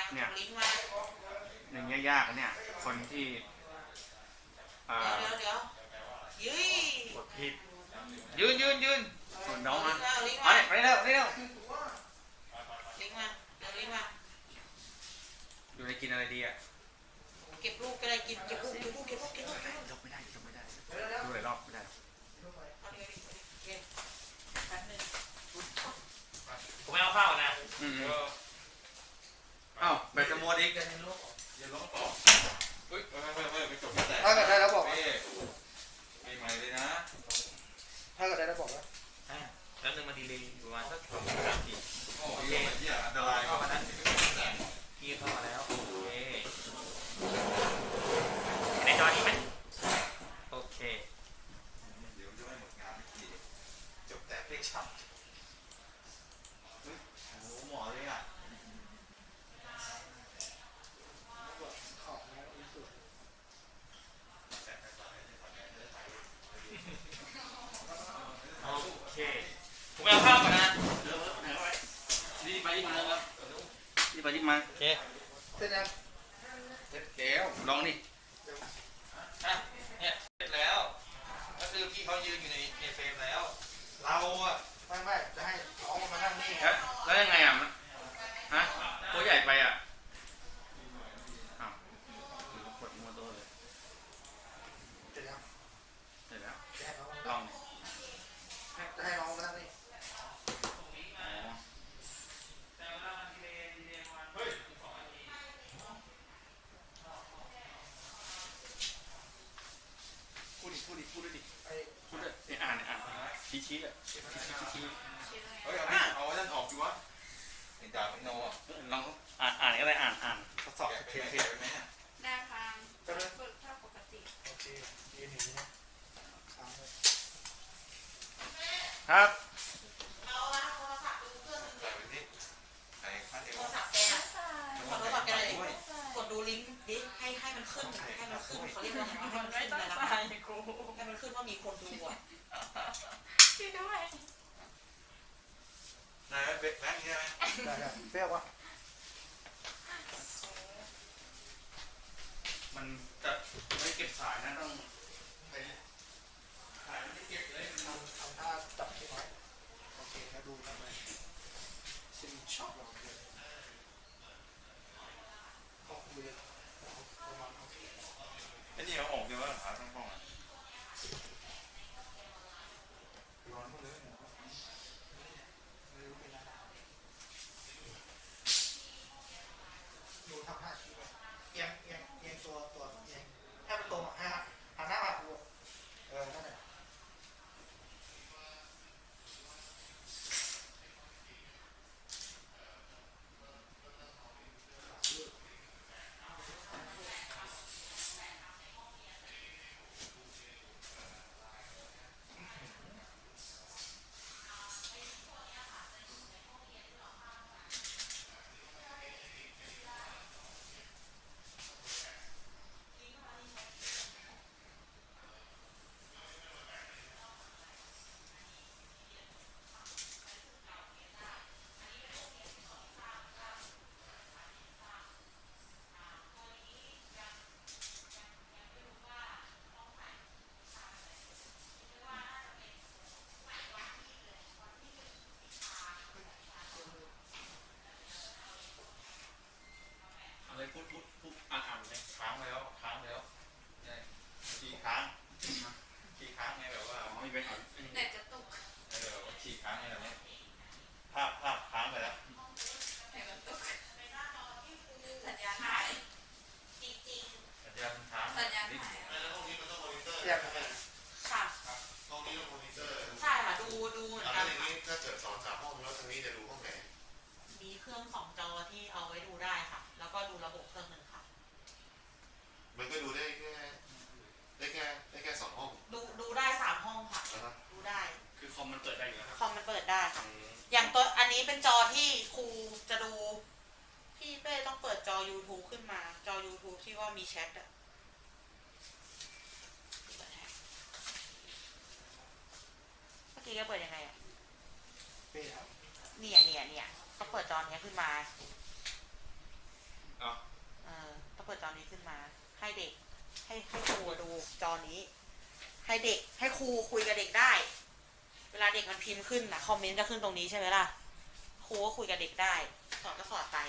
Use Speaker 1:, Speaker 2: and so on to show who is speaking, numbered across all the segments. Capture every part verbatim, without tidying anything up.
Speaker 1: เนี่ยอย่างเงี้ยยากเนี่ยคนที่เดี๋ยวเดี๋ยวยืนกดผิดยืนยืนยืนส่วนน้องมาไปไปเร็วไปเร็วลิงมาเดี๋ยวลิงมาอยู่ในกินอะไรดีอ่ะเก็บลูกก็ได้กินเก็บลูกเก็บลูกเก็บลูกเก็บลูกยกไม่ได้ยกไม่ได้ดูหลายรอบไม่ได้ผมไม่เอาข้าวนะเอ้าแบตจะหมดอีกอย่าล้มต่อเฮ้ยไม่ไม่ไม่ไม่จบไม่แตก
Speaker 2: ถ้าเกิดได้แล้วบอก
Speaker 1: ไม่ใหม่เลยนะ
Speaker 2: ถ้าเกิดได้แล้วบอกแล้ว
Speaker 1: แล้วนึงมาดีเลยประมาณสักสองสามทีโอเคอันตรายเข้ามาแล้วพี่เข้ามาแล้วโอเคในจอนี้ไหมโอเคเดี๋ยวจะไม่หมดงานทีจบแต่เพลงฉับโอ้หมอเลยอ่ะโอเคผมเอาข้าวก่อนนะรีบไปรีบมาครับรีบไปรีบมาโอเค
Speaker 2: เสร็จแล้ว
Speaker 1: เสร็จแล้วลองดิอ่ะเนี่ยเสร็จแล้วก็คือพี่เขายืนอยู่ในในเฟรมแล้วเราอ่ะ
Speaker 2: ไม่ไม่จะให้น้องมานั่งนี่
Speaker 1: แล้วยังไงอ่ะฮะตัวใหญ่ไปอ่ะอ้าวกดมัวตัวเลย
Speaker 2: เสร็จแล้ว
Speaker 1: เสร็จแล้วลอง
Speaker 2: จะให้น้องมานั่งนี่
Speaker 1: พูดดิพูดดิพูดดิพูดดิอ่านอ่านชี้ชี้อ่ะชี้ชี้เฮ้ยเอาเอาด้านออกดีวะไอ้ดาบไอ้โนอ่ะลองอ่านอ่านอะไรอ่านอ่านทดสอบเทเทไหม
Speaker 3: ได้ฟังฝึกเท่าปกติ
Speaker 2: โอเคยืนอย่างนี้
Speaker 1: ครับ
Speaker 3: เอาละโทรศัพท์ดูเครื่องนึงดิโทรศัพท์แกขอโทรศัพท์แกเลยกดดูลิงก์ดิให้ให้มันขึ้นให้มันขึ้นเขาเรียกว่าให้มันขึ้นอะไรนะให้มันขึ้นว่ามีคนดูอ่ะช่วยด้วย
Speaker 1: นายเบ็ดแบงค์ใช่ไหม
Speaker 2: ได้ได้เปรี้ยววะ
Speaker 1: มันจะไม่เก็บสายนะต้องไปสายมันไม่เก็บเลยมัน
Speaker 2: ทำท่าจับที่ไว้โอเคแล้วดูทำไมซิมช็อปเราเลยออกเลยประมาณโอเค
Speaker 1: ไอ้นี่เอาออกเดี๋ยวว่าขาต้องป้องอ่ะ
Speaker 2: ร้อนหมดเลยดูทำท่าชี้ไปเอียงเอียงเอียงตัวตัวเอียงให้มันตรงอ่ะฮะหันหน้ามาดูเออนั่นแหละ
Speaker 1: อะไรพูดพูดพูดอ่านอ่านเลยค้างไปแล้วค้างไปแล้วขี่ค้างขี่ค้างไงแบบว่าไม่เป็น
Speaker 3: เน็ตจะตก
Speaker 1: เออขี่ค้างไงแบบนี้ภาพภาพค้างไปแล้ว
Speaker 3: เน็ตมันตกสัญญาณหายจริง
Speaker 1: ๆสัญญาณค้าง
Speaker 3: สัญญาณหาย
Speaker 1: แล้วพวกนี้มันต้องมอนิเตอร์
Speaker 2: เทียบกันไหม
Speaker 3: ค่ะ
Speaker 1: ห้องนี้ต้องมอนิเตอร์
Speaker 3: ใช่ค่ะดูดูเหมือนกัน
Speaker 1: อย่างนี้ถ้าเกิดสองสามห้องแล้วทางนี้จะดูห้องไหน
Speaker 3: มีเครื่องสองจอที่เอาไว้ดูได้ค่ะแล้วก็ดูระบบเครื่องหนึ่งค่ะ
Speaker 1: มันก็ดูได้แค่ได้แค่ได้แค่สองห้อง
Speaker 3: ดูดูได้สามห้องค่ะดูได้
Speaker 1: คือคอมมันเปิดได้อยู่แล้ว
Speaker 3: คอมมันเปิดได้ค่ะอย่างตัวอันนี้เป็นจอที่ครูจะดูพี่เป้ต้องเปิดจอ YouTube ขึ้นมาจอ YouTube ที่ว่ามีแชทอะเมื่อกี้ก็เปิดยังไงอะเนี่ยเนี่ยเนี่ยก็เปิดจอนี้ขึ้นมาอนี้ ให้เด็กให้ครูคุยกับเด็กได้ เวลาเด็กมันพิมพ์ขึ้นนะคอมเมนต์จะขึ้นตรงนี้ใช่ไหมล่ะครูก็คุยกับเด็กได้สอนก็สอนไป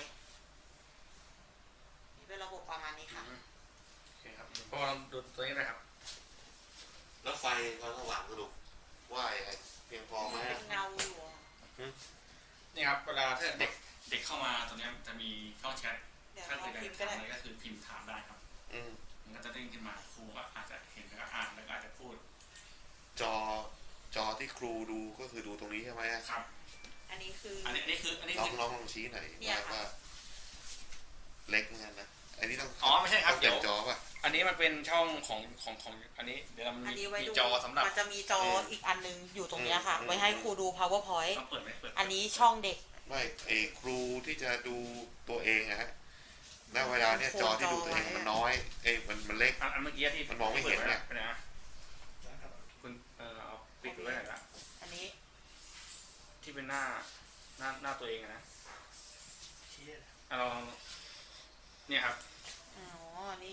Speaker 3: นี่เป็นระบบประมาณนี้ค่ะ
Speaker 1: โอเคครับพอเราดูตัวนี้นะครับ
Speaker 4: แล้วไฟความสว่างสรุปว่าไอ้เพียงพอไหม
Speaker 3: เป็นเงาอยู่
Speaker 1: นี่ครับเวลาถ้าเด็กเด็กเข้ามาตรงนี้จะมีช่องแชท
Speaker 3: เดี๋ยว
Speaker 1: ถ้า
Speaker 3: เรา
Speaker 1: เกิด
Speaker 3: พิมพ์
Speaker 1: จะ
Speaker 3: ก็ได้
Speaker 1: ทำอะไรก็คือพิมพ์ถามได้ครับ
Speaker 4: อืม
Speaker 1: มันก็จะเด้งขึ้นมาครูก็อาจจะเห็นแล้วก็อ่านแล้วก็อาจจะพูด
Speaker 4: จอจอที่ครูดูก็คือดูตรงนี้ใช่ไหม
Speaker 1: ครับ
Speaker 3: อันนี้คือ
Speaker 1: อันนี้อันนี้คืออันนี้
Speaker 4: น้อ
Speaker 1: คื
Speaker 4: ง
Speaker 1: อ
Speaker 4: น้องลองชี้หน่อย
Speaker 3: เนี่ย
Speaker 4: ว่า
Speaker 3: ค่ะ
Speaker 4: ว่าเล็กเหมือนกันนะอันนี้ต้อง
Speaker 1: อ๋อไม่ใช่ครับ
Speaker 4: ต้อง
Speaker 1: เดี๋
Speaker 4: เต็
Speaker 1: ยว
Speaker 4: มจอป่ะ
Speaker 1: อันนี้มันเป็นช่องของของของอันนี้เดี๋ยวเรา
Speaker 3: อัน
Speaker 1: มี
Speaker 3: นี้ไว้
Speaker 1: มี
Speaker 3: ดู
Speaker 1: จอสำหรับ
Speaker 3: มันจะมีจออีกอันนึงอยู่ตรงเนี้ยค่ะ
Speaker 4: อืม
Speaker 3: ไว้ให้ครูดู powerpoint
Speaker 1: ต้องเปิดไหมเปิด
Speaker 3: อันนี้ช่องเด็ก
Speaker 4: ไม่ไอ้ครูที่จะดูตัวเองอะฮะณเวลาเนี่ยจอที่ดูตัวเองมันน้อยเอ้ยมันมันเล็ก
Speaker 1: อันอันเมื่อกี้ที่
Speaker 4: มันมองไม่เห็นเนี่ย
Speaker 1: ไปไหนอะคุณเออเอาปิดไว้ไหนอยละ
Speaker 3: อันนี้
Speaker 1: ที่เป็นหน้าหน้าหน้าตัวเองอะนะ
Speaker 2: ชี้เลย
Speaker 1: เอาลองเนี่ยครับ
Speaker 3: อ๋อ นี่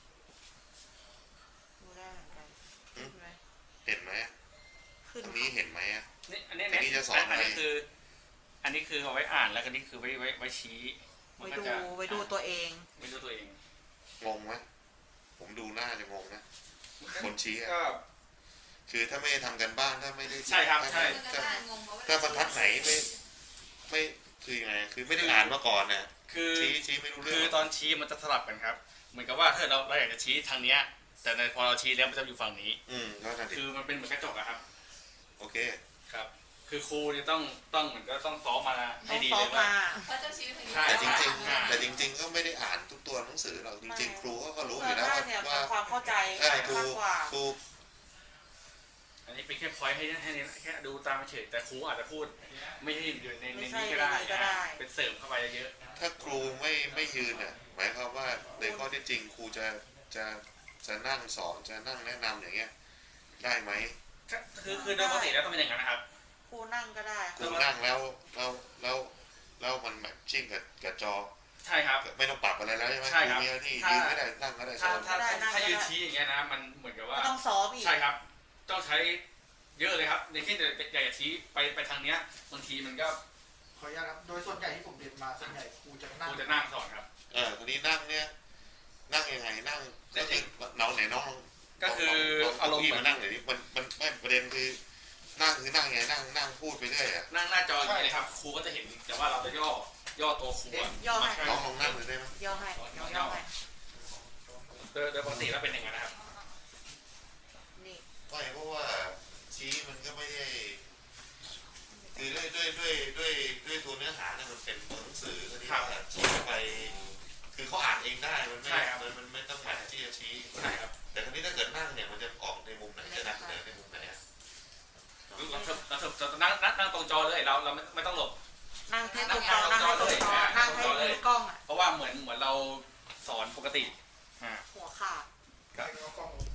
Speaker 3: ดูได้เหมือนกันขึ้นไหม
Speaker 4: เห็นไหม
Speaker 3: ขึ้น
Speaker 4: ตรงนี้เห็นไหมอะ
Speaker 1: นี่อันนี้
Speaker 4: อันนี้จะสอนอะไร
Speaker 1: อันนี้คือ อันนี้คือเอาไว้อ่านแล้วก็นี่คือไว้ไว้ไว้ชี้มัน
Speaker 3: ไว้
Speaker 1: ก็
Speaker 3: ดู
Speaker 1: จะ
Speaker 3: ไว้ดูตัวเอง
Speaker 1: ไว้ดูตัวเอง
Speaker 4: งงไหมผมดูหน้าจะงงนะคนชี้อะ
Speaker 1: ก็
Speaker 4: คือถ้าไม่ได้ทำกันบ้านถ้าไม่ได้
Speaker 1: ใช่ครับ
Speaker 4: ถ้า
Speaker 1: ใช่
Speaker 4: ถ้าถ้าบรรทัดไหนไม่ไม่คือยังไงคือไม่ได้อ่านมาก่อนนะ
Speaker 1: คือ
Speaker 4: ชี้ชี้ไม่รู้เรื่
Speaker 1: คือ อง ตอนชี้มันจะสลับกันครับ เหมือนกับว่าถ้าเราเราอยากจะชี้ทางเนี้ย แต่ในพอเราชี้แล้วมันจะอยู่ฝั่งนี้
Speaker 4: อืมก็นั่นดิ
Speaker 1: คือมันเป็นเหมือนกระจกอะครับ
Speaker 4: โอเค
Speaker 1: ครับ คือครูเนี่ยต้องต้องเหมือนก็ต้องซ้อมมา
Speaker 3: ต้
Speaker 1: ให้
Speaker 3: อง
Speaker 1: ดี
Speaker 3: ซ้อ
Speaker 1: เล
Speaker 3: ม
Speaker 1: ยว่า
Speaker 3: มา
Speaker 5: เขาจะชี้ไปทางนี้
Speaker 1: ใช่
Speaker 4: แต่จริง
Speaker 1: อ่า
Speaker 4: ๆแต่จริง ๆ ก็ไม่ได้อ่านทุกตัวหนังสือหรอกจริง ๆ ครูเขาก็รู้อ
Speaker 3: เพื่อยู่
Speaker 4: แล้ว
Speaker 3: ได้
Speaker 4: ว่า
Speaker 3: เนี่ย
Speaker 4: ว่า
Speaker 3: ทำความเข้าใจ
Speaker 4: เออครู
Speaker 3: มากกว่า
Speaker 4: ครู
Speaker 1: อันนี้เป็นแค่พอยต์ให้ให้แค่ดูตามเฉยแต่ครูอาจจะพูด ไม่ใช่อยู่ในใน
Speaker 3: ไม่
Speaker 1: นี้
Speaker 3: ใช่
Speaker 1: ก็ได้
Speaker 3: ในนี้ก็ได้
Speaker 1: อ่าเป็นเสริมเข้าไปเยอะ
Speaker 4: ถ้าครูไม่ไม่ยืนน่ะหมายความว่าในข้อที่จริงครูจะจะจะนั่งสอนจะนั่งแนะนำอย่างเงี้ยได้ไหม
Speaker 1: ก็คือคือโดยปกติแล้วต้องเป็นอย่างนั้นนะครับ
Speaker 3: ครูนั่งก็ได้
Speaker 4: ครูนั่งแล้วแล้วแล้วแล้วมันแบบชิ่งกับกับจอ
Speaker 1: ใช่ครับ
Speaker 4: ไม่ต้องปรับอะไรแล้วใช่ไหม
Speaker 1: ใช่ครับ
Speaker 4: มีหน้าที่
Speaker 1: ถ้า
Speaker 4: ยืนก็ได้นั่งก็ได้ส
Speaker 1: ถ้า
Speaker 4: อน
Speaker 1: ถ้าถ้าถ้ายืนชี้อย่างเงี้ยนะมันเหมือนกับว่า
Speaker 3: ก็ต้องซ้อมอีก
Speaker 1: ใช่ครับ ต้องใช้เยอะเลยครับ ในที่อยากจะชี้ไปไปทางเนี้ยบางทีมันก็
Speaker 2: ขออนุญาตครับโดยส่วนใหญ่ที่ผมเรียนมาส่วนใหญ่ครูจะ
Speaker 1: ค
Speaker 2: นั่ง
Speaker 1: รูจะนั่งสอนครับ
Speaker 4: เออคนนี้นั่งเนี่ยนั่งยังไงนั่งก็คือเราไหนน้อง
Speaker 1: ก็คือ
Speaker 4: ลง
Speaker 1: อารมณ์
Speaker 4: ที่
Speaker 1: เหมื
Speaker 4: มา
Speaker 1: อน
Speaker 4: นั่งหน่อยดิมันมันไม่ประเด็นคือนั่งคือนั่งไงนั่งนั่งพูดไปเรื่อยอ่ะ
Speaker 1: นั่งหน้าจออย่างนี้เลยครับ ครูก็จะเห็น แต่ว่าเราจะย่อย่อตัวครูอะ
Speaker 3: ย่อให้
Speaker 1: มา
Speaker 4: น้องลองนั่งเลยได้ไหม
Speaker 3: ย่อให้ย่อย่อให้
Speaker 1: โดยโดยปกติแล้วเป็นอย่างนั้นนะครับ
Speaker 3: นี่
Speaker 4: ไม่เพราะว่าชี้มันก็ไม่ได้คือด้วยด้วยด้วยด้วยด้วยตัวเนื้อหาเนี่ยมันเป็นตัวหนังสือก็ที่ว่าชี้ไป คือเขาอ่านเองได้มันไม่
Speaker 1: ใช่ครับ
Speaker 4: มันมันไม่ต้องแบบที่จะชี้
Speaker 1: ใช่ครับ
Speaker 4: แต่คราวนี้ถ้าเกิดนั่งเนี่ยมันจะออกในมุมไหนจะนำเสนอในมุมไหนอะ
Speaker 1: เราเถอะเราเถอะเรานั่งนั่งนั่งตรงจอเลยเราเราไม่ไม่ต้องหลบ
Speaker 3: นั่งให้ตรงจอนั่งให้ตรงจอนั่งให้ดูกล้องอ่ะ
Speaker 1: เพราะว่าเหมือนเหมือนเราสอนปกติอ่า
Speaker 3: หัวขาด
Speaker 2: ใครเอากล้องลง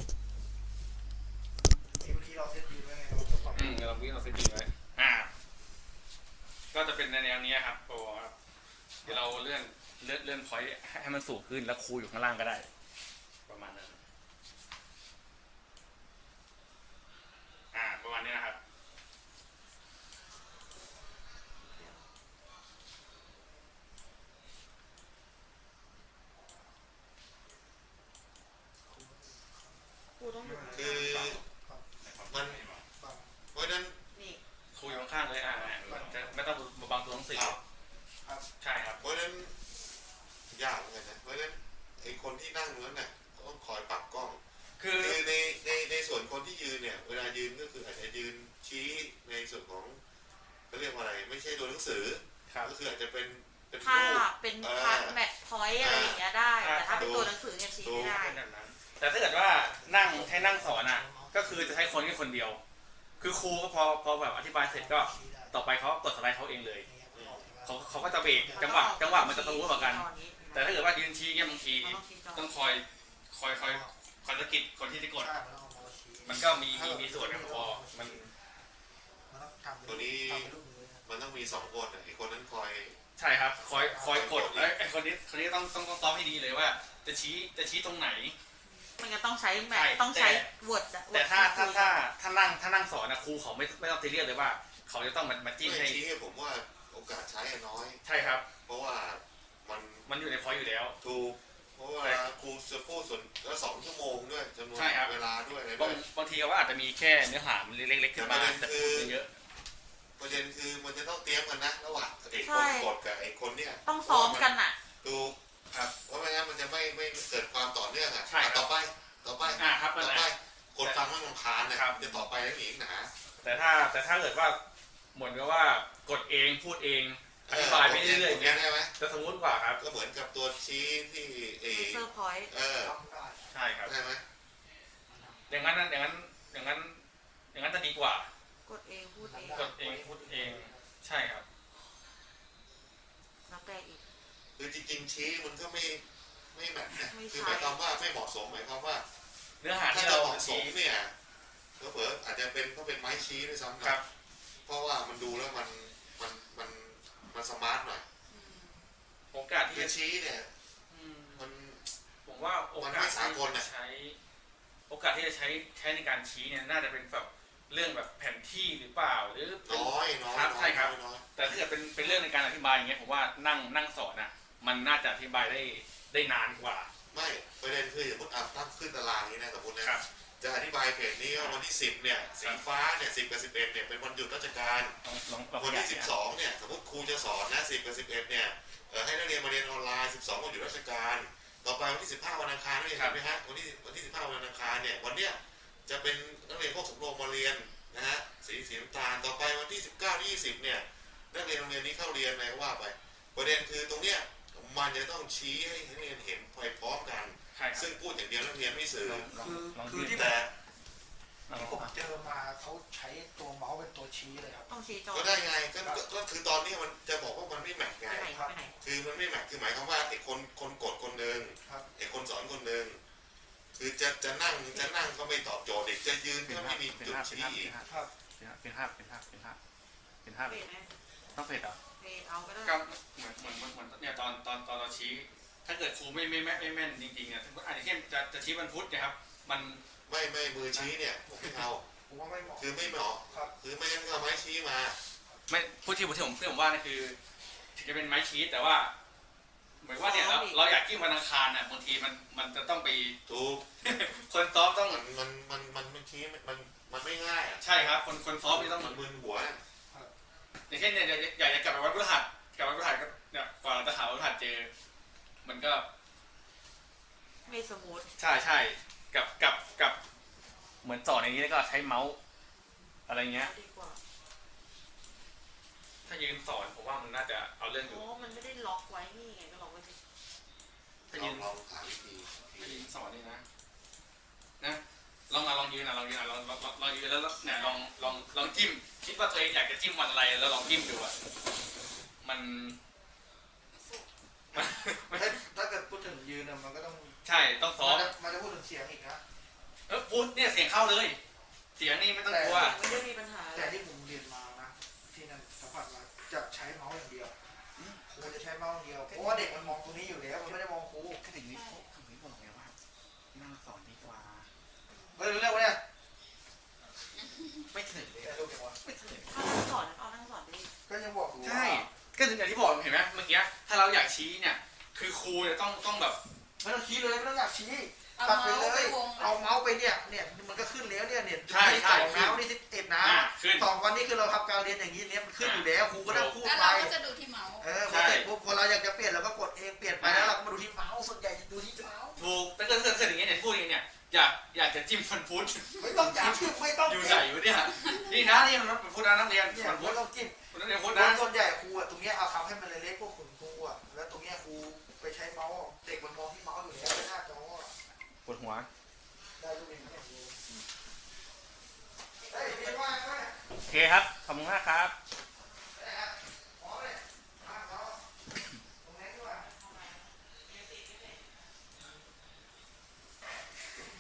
Speaker 2: นี่เมื่อกี้เราเซตยืนไว้ไงเราจะปรับ
Speaker 1: อืมเราวิ่งเราเซตติ้งไว้อ่า ก็จะเป็นในแนวนี้ครับโอ้ครับเดี๋ยวเราเลื่อนเลื่อนเลื่อนพอยต์ให้มันสูงขึ้นแล้วครูอยู่ข้างล่างก็ได้ ประมาณนั้นอ่าประมาณนี้นะครับ
Speaker 3: ครูต้องอยู่
Speaker 4: คือมัน
Speaker 2: ปรับ
Speaker 4: เพราะฉะนั้น
Speaker 3: นี่
Speaker 1: ครูอยู่ข้างๆเลยอ่าจะไม่ต้องมาบังตัวหนังสือใช่ครับ
Speaker 4: เพราะฉะนั้นยากเหมือนกันนะเพราะฉะนั้นไอ้คนที่นั่งนั้นน่ะต้องคอยปรับกล้อง
Speaker 1: คือ
Speaker 4: คือในในในส่วนคนที่ยืนเนี่ยเวลายืนก็คืออาจจะยืนชี้ในส่วนของเขาเรียกว่าอะไรไม่ใช่ตัวหนังสือ
Speaker 1: ครับ
Speaker 4: ก็คืออาจจะเป็นเป็น
Speaker 3: ภา
Speaker 4: รูป
Speaker 3: พเป็นพาร์ทแมทพอยต์อะไรอย่างเงี้ยได้ แต่ถ้าเป็นตัวหนังสือเนี่ยชี้ไม่ได้
Speaker 1: เป็นแบบนั้น แต่ถ้าเกิดว่านั่งให้นั่งสอนอ่ะ ก็คือจะใช้คนแค่คนเดียว คือครูก็พอพอแบบอธิบายเสร็จก็ต่อไปเขากดสไลด์เขาเองเลยเขาเขาก็จะเบรกจังหวะจังหวะมันจะทะลุเหมือนกัน แต่ถ้าเกิดว่ายืนชี้เนี่ยบางทีต้องคอยคอยคอยคอยสะกิดคนที่จะกด
Speaker 2: ใช่แล้วเอามาชี้
Speaker 1: มันก็มีมีมีส่วนครับพอมัน
Speaker 2: มันต้องทำ
Speaker 4: ตัวนี้
Speaker 2: ทำเป็นรูปมือนะ
Speaker 4: มันต้องมีสองคนอ่ะไอ้คนนั้นคอย
Speaker 1: ใช่ครับ คอยคอยกดแล้วไอ้คนนี้คนนี้ต้องต้องต้องซ้อมให้ดีเลยว่า จะชี้จะชี้ตรงไหน
Speaker 3: มันก็ต้องใช้แมท
Speaker 1: ใช่
Speaker 3: ต้องใช้
Speaker 1: แต่
Speaker 3: วอร์ดอะ
Speaker 1: แต่ถ้าถ้าถ้าถ้านั่งถ้านั่งสอนนะครูเขาไม่ไม่ต้องซีเรียสเลยว่า เขาจะต้องมามาจิ้ม
Speaker 4: ไม่
Speaker 1: ให้
Speaker 4: ชี้ผมว่าโอกาสใช้น้อย
Speaker 1: ใช่ครับ
Speaker 4: เพราะว่ามัน
Speaker 1: มันอยู่ในพอยต์อยู่แล้ว
Speaker 4: ถูกเพราะว่าครูจะพูดส่วนแล้วสองชั่วโมงด้วยจำนวน
Speaker 1: ใช่ครับ
Speaker 4: เวลาด้วยอะไร
Speaker 1: บา
Speaker 4: ด้
Speaker 1: ง
Speaker 4: วย
Speaker 1: บางทีเขาอาจจะมีแค่เนื้อหามันเล็กๆขึ้นมาแต่พูดเยอะ
Speaker 4: ประเด็นคือมันจะต้องเตรียมกันนะระหว่างไอ้คนกดกับไอ้คนเนี่ย
Speaker 3: ต้องซ้อมกันอ่ะ
Speaker 4: ถูก
Speaker 1: ครับ
Speaker 4: เพราะไม่งั้นมันจะไม่ไม่เกิดความต่อเนื่องอ่ะ
Speaker 1: ใช่ครับ
Speaker 4: ต่อไปต่อไป
Speaker 1: อ่าครับนั่
Speaker 4: ต่
Speaker 1: น
Speaker 4: อ
Speaker 1: แห
Speaker 4: ไป
Speaker 1: ละ
Speaker 4: คนฟังมันรำคาญนะครับ จะต่อไปแล้วหนีหนา
Speaker 1: แต่ถ้าแต่ถ้าเกิดว่าเหมือนกับว่ากดเองพูดเองอธิบายไปเรื่อยๆอย่างเงี้ย
Speaker 4: ใช่ไหม
Speaker 1: จะสมูทกว่าครับ
Speaker 4: ก็เหมือนกับตัวชี้ที่เอ
Speaker 3: เซอร์พอยต์
Speaker 4: เออ
Speaker 2: ทำได้
Speaker 1: ใช่ครับ
Speaker 4: ใช่ไหม
Speaker 1: อย่างนั้นนะอย่างนั้นอย่างนั้นอย่างนั้นจะดีกว่า
Speaker 3: กดเองพูดเอง
Speaker 1: กดเองพูดเองใช่ครับ
Speaker 3: แล้วแต่อีก
Speaker 4: คือจริงๆชี้มันก็ไม่ไม่แมทนะ
Speaker 3: ไม่ใช่
Speaker 4: คือหมายความว่าไม่เหมาะสมหมายความว่า
Speaker 1: เนื้อหา
Speaker 4: ถ้า
Speaker 1: ที่
Speaker 4: จะ
Speaker 1: เรา
Speaker 4: เหมาะส
Speaker 1: ชี้
Speaker 4: มเนี่ยเผลอๆอาจจะเป็นก็เป็นไม้ชี้ด้วยซ้ำ
Speaker 1: ค
Speaker 4: นะ
Speaker 1: รับ
Speaker 4: เพราะว่ามันดูแล้วมันมันมันมันสมาร์ทหน่อย
Speaker 3: อืม
Speaker 1: โอกาสที่
Speaker 4: คือ
Speaker 1: จะ
Speaker 4: ชี้เนี่ย
Speaker 1: อืม
Speaker 4: มัน
Speaker 1: ผมว่าโอ
Speaker 4: มัน
Speaker 1: กา
Speaker 4: ไม่
Speaker 1: ส
Speaker 4: สา
Speaker 1: ที่
Speaker 4: กล
Speaker 1: จะ
Speaker 4: น่ะ
Speaker 1: ใช้ โอกาสที่จะใช้ใช้ในการชี้เนี่ยน่าจะเป็นแบบเรื่องแบบแผนที่หรือเปล่าหรือเป็น
Speaker 4: น้อยน้อย
Speaker 1: ครับ
Speaker 4: น้
Speaker 1: ใช่
Speaker 4: อย
Speaker 1: ครับ
Speaker 4: น้อย
Speaker 1: แต่ถ้าเกิดเป็นเป็นเรื่องในการอธิบายอย่างเงี้ยผมว่านั่งนั่งสอนอ่ะ มันน่าจะอธิบายได้ได้นานกว่า
Speaker 4: ไม่ประเด็นคือสมมติอ่ะตั้งขึ้นตารางนี้นะสมมตินะครับ จะอธิบายเพจนี้ว่าวันที่สิบเนี่ยสีฟ้าเนี่ยสิบกับสิบเอ็ดเนี่ยเป็นวันหยุดราชการ
Speaker 1: ลองลองลอง
Speaker 4: วัน
Speaker 1: ขยา
Speaker 4: ที่
Speaker 1: ย
Speaker 4: สิบสองเนี่ยสมมติครูจะสอนนะสิบกับสิบเอ็ดเนี่ยเอ่อให้นักเรียนมาเรียนออนไลน์สิบสองวันหยุดราชการ ต่อไปวันที่สิบห้าวันอังคารนักเรียนเห็นไหมฮะวันที่วันที่สิบห้าวันอังคารเนี่ยวันเนี้ยจะเป็นนักเรียนพวกสำรวมมาเรียนนะฮะสีสีน้ำตาลต่อไปวันที่สิบเก้าที่ยี่สิบเนี่ยนักเรียนโรงเรียนนี้เข้าเรียนอะไรก็ว่าไปประเด็นคือตรงเนี้ยมันจะต้องชี้ให้นักเรียนเห็นไปพร้อมกัน
Speaker 1: ใช่ครับ
Speaker 4: ซึ่งพูดอย่างเดียวนักเรียนไม่สื่อ
Speaker 1: ลองลอง
Speaker 2: คือ
Speaker 1: ลอง
Speaker 2: คือ
Speaker 1: ยืน
Speaker 2: ที่
Speaker 4: แต่
Speaker 1: ลอง
Speaker 2: ที่ผมเจอมาเขาใช้ตัวเมาส์เป็นตัวชี้เลยครับ
Speaker 3: ต้องชี้จอ
Speaker 4: ก็ได้ไงก็ก็ก็คือตอนนี้มันจะบอกว่ามันไม่แมท
Speaker 3: ไป
Speaker 4: ไง
Speaker 3: ไหนไปไหน
Speaker 4: คือมันไม่แมทคือหมายความว่าไอ้คนคนกดคนหนึ่ง
Speaker 2: ครับ
Speaker 4: ไอ้คนสอนคนหนึ่งคือจะจะนั่งจะนั่งก็ไม่ตอบโจทย์อีกจะยืน
Speaker 1: เป็น
Speaker 4: ก็
Speaker 1: ภา
Speaker 4: ไม่
Speaker 1: พ
Speaker 4: มี
Speaker 1: เป็น
Speaker 4: จุด
Speaker 1: ภาพเป็น
Speaker 4: ชี้
Speaker 1: ภาพ
Speaker 4: อีก
Speaker 2: ครับ
Speaker 1: เป็นภาพเป็นภาพเป็นภาพเป็นภาพ
Speaker 3: เฟดไหม
Speaker 1: ต้องเสร็จเหรอ
Speaker 3: เฟดเอาก็ได้
Speaker 1: ก็เหมือนเหมือนเหมือนเหมือนเนี่ยตอนตอนตอนเราชี้ ถ้าเกิดครูไม่ไม่ไม่ไม่แม่นจริงๆเนี่ยอาจจะเช่นจะจะชี้วันพุธนะครับ มัน
Speaker 4: ไม่ไม่มือชี้เนี่ยผมไม่เอา
Speaker 2: ผมว่าไม่เหมาะ
Speaker 4: คือไม่เหมาะ
Speaker 2: ครับ
Speaker 4: คือไม่งั้นก็เอาไม้ชี้มา
Speaker 1: ไม่พูดที่ผมที่ผมที่ผมว่านี่คือถึงจะเป็นไม้ชี้แต่ว่า เหมือนว่าเนี่ยเราเราอยากจิ้มวันอังคารน่ะบางทีมันมันจะต้องไป
Speaker 4: ถูก
Speaker 1: คนซ้อมต้อง
Speaker 4: มันมันมันมันมันชี้มันมันไม่ง่ายอ่ะ
Speaker 1: ใช่ครับ คนคนซ้อมนี่ต้อง
Speaker 4: มันมึนหัว
Speaker 1: อย่างเช่นเนี่ยอยากอยากจะกลับไปวันพฤหัสกลับวันพฤหัสก็เนี่ยกว่าเราจะหาวันพฤหัสเจอ มันก็
Speaker 3: ไม่สมูท
Speaker 1: ใช่ใช่กับกับกับเหมือนสอนอย่างนี้แล้วก็ใช้เมาส์อะไรเงี้ย
Speaker 3: ดีกว่า
Speaker 1: ถ้ายืนสอนผมว่ามันน่าจะเอาเรื่องอยู่
Speaker 3: โอ้มันไม่ได้ล็อกไว้นี่ไงก็ล็อกไว้สิ
Speaker 1: ถ้า
Speaker 4: ลอ
Speaker 1: ยื
Speaker 4: ง
Speaker 1: น
Speaker 4: ลองหาวิธี
Speaker 1: ถ้ายืนสอนนี่นะนะลองมาลองยืนนะลองยืนนะลองลองลองลองยืนแล้วเนี่ยลองลองลองจิ้มคิดว่าตัวเองอยากจะจิ้มวันอะไรแล้วลองจิ้มดูอ่ะมันมัน
Speaker 2: ถ้าถ้าเกิดพูดถึงยืนน่ะมันก็ต้อง
Speaker 1: ใช่ต้องซ้อม
Speaker 2: มันจะมันจะพูดถึงเสียงอีกนะ
Speaker 1: เออพูดเนี่ยเสียงเข้าเลย เสียงนี่ไม่ต้องกลัว
Speaker 3: ไม่ได้มีปัญหาเล
Speaker 2: แต่
Speaker 3: ย
Speaker 2: ที่ผมเรียนมานะที่นั่นสัมผัสมาจะใช้เมาส์อย่างเดียวครูจะใช้เมาส์อย่างเดียวเพราะว่าเด็กมันมองตรงนี้อยู่แล้วมันไม่ได้มองครู
Speaker 1: ก็ถึงนี้เขาถึงนี้บอกไงว่านั่งสอนดีกว่า
Speaker 2: เฮ้ยรู้เรื่องวะเนี่ย
Speaker 1: ไม่ถึงเลย
Speaker 2: แต่รู้จังวะ
Speaker 1: ไม่ถึง
Speaker 3: ถ้านั่งสอนเอานั่งสอนได้
Speaker 2: ก็ยังบอกอยู่ว่า
Speaker 1: ใช่ก็ถึงอย่างที่บอกเห็นไหมเมื่อกี้ถ้าเราอยากชี้เนี่ย คือครูเนี่ยต้องต้องแบบ
Speaker 2: ไม่ต้องชี้เลยไม่ต้องอยากชี้
Speaker 5: เอา
Speaker 2: ตัดไป
Speaker 5: เมาส์
Speaker 2: เล
Speaker 5: ไป
Speaker 2: ยว
Speaker 5: ง
Speaker 2: เอาเมาส์ไปเนี่ยเนี่ยมันก็ขึ้นแล้วเนี่ยเนี่ย
Speaker 1: ใช่ใช่
Speaker 2: สองเมาส์นี่สิบเอ็ดนะ
Speaker 1: อ่าขึ้น
Speaker 2: สองวันนี้คือเราทำการเรียนอย่างนี้เนี่ยมันขึ้นอยู่แล้วครูก็ต้องพูด
Speaker 5: แล้ว
Speaker 2: ไป
Speaker 5: เราก็จะดูที่เมาส์
Speaker 2: เออพอเสร็จปุ๊บพอเราอยากจะเปลี่ยนเราก็กดเองเปลี่ยนไปแล้วเราก็มาดูที่เมาส์ส่วนใหญ่จะดูที่เมาส์
Speaker 1: ถูกแต่เกิดเกิดเกิดอย่างเงี้ยเนี่ยพูดอย่างเงี้ยเนี่ยอยากอยากจะจิ้มฟันพุธ
Speaker 2: ไม่ต้องจับไม่ต้อง
Speaker 1: อยู่
Speaker 2: จิ้
Speaker 1: ไหน
Speaker 2: ม
Speaker 1: อยู่เนี่ยนี่นะนี่มันเป็นพุธนะนักเรียน
Speaker 2: เนี่ย
Speaker 1: ฟันพุ
Speaker 2: ไม่
Speaker 1: ธ
Speaker 2: ต้องจิ้ม
Speaker 1: นักเรียนพุธ
Speaker 2: โด
Speaker 1: นะ
Speaker 2: ยส่วนใหญ่ครูอะตรงเนี้ยเอาทำให้มันเล็กๆพวกขุนครูอะแล้วตรงเนี้ยครูไปใช้เมาส์เด็กมันมองที่เมาส์อยู่แล้วไม่น่าจออะ
Speaker 1: ปวดหัว
Speaker 2: ได้ลูกเองเนี่ยครูเฮ้ยเรียนว่าไง
Speaker 1: โอเคครับขอบคุณมากครับ
Speaker 2: ค